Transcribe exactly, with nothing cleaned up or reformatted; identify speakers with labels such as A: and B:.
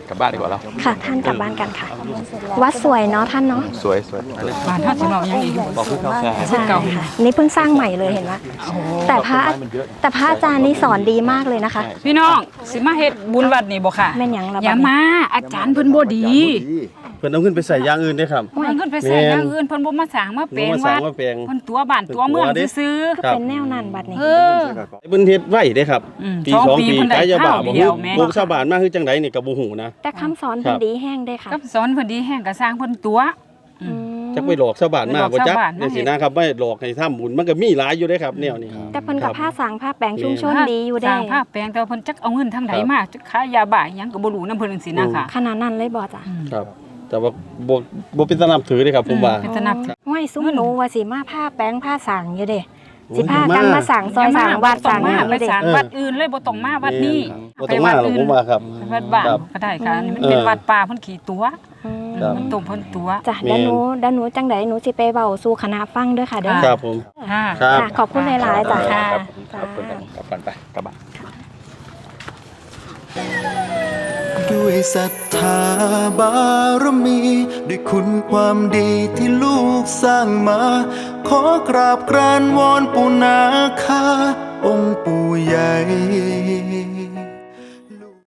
A: กลับบ้านดีกว่าแล้ว
B: ค่ะท่านกลับบ้านกันค่ะวัดสวยเนาะท่านเนาะ
A: สวยสวย
C: บ้านท่านสำหรับยังอีก
A: บอกพูดเข้าใจ
B: ใช่ค่ะนี่เพิ่งสร้างใหม่เลยเห็นไหมแต่พระแต่พระอาจารย์นี่สอนดีมากเลยนะคะ
C: พี่น้องสิมาเฮ็ดบุญวัดนี่บ่ค่ะ
B: แม่นหยังละ
C: อย่ามาอาจารย์เพิ่นบ่ดี
D: เพิ่นเอาขึ้นไปใส่อย่างอื่นได้ครับ
C: เพิ่นขึ้นไปใส่อย่างอื่นเพิ่นบ่มาสร้างมาแปลงวัดเพิ่นตัวบ้านตัวเมืองซื่อ
B: ก็เป็นแนวนั้นบัดนี้
C: เออ
D: เพิ่นเฮ็ดไว้เด้ครับปีสองปีกายบาบ่ฮู้พวกชาวบ้านมาคือจังไดนี่ก็บ่ฮู้นะ
B: แต่คำสอนเพิ่นดีแห้งได้ค่ะ
C: คำสอนเพิ่นดีแห้งก็สร้างเพิ่นตัว
D: จักไปหลอกชาวบ้านมาบ่จักจังซี่นะครับไม่หลอกให้ทำบุญมันก็มีหลายอยู่เด้ครับแนวนี้
B: แต่เพิ่นก็ผ้าสางผ้าแปลงชุมชนดีอยู่ได้
C: สร้างผ้าแปลงแต่เพิ่นจักเอาเงินทางใดมาจักขายยาบ้าหยังก็บ่รู้นำเพิ่นจังซี่นะค่ะ
B: ขนาดนั้นเลยบ่จ้ะ
D: ครับแต่ว่าบ่บ่เป็นตานับถือเด้ครับผมว่า
C: เป็นตานับ
B: ห้วยซุ้มหนูว่าสิมาผ้าแปลงผ้าสางอยู่เด้สิพากันมาสั่งซอยสั่งวัดสั่ง
C: มาไปสั่งวัดอื่นเลยบ่ต้องมาวัดนี้
D: บ่ต้องมาหรอกผมว่าครับ
C: วัดบ้านก็ได้ค่ะนี่มันเป็นวัดป่าเพิ่นขี่ตัวมันตรงเพิ่นตัว
B: จ้ะเดี๋ยวหนูเดี๋ยวหนูจังได๋หนูสิไปเว้าสู่คณะฟังเด้อค่ะเด้อ
D: ครับผม
C: ค่ะ
B: ขอบคุณหลายๆจ้ะค่ะ
A: ขอบคุณกลับบ้านไปกลับบ้าน
E: ด้วยศรัทธาบารมีด้วยคุณความดีที่ลูกสร้างมาขอกราบกรานวอนปู่นาคาองค์ปู่ใหญ่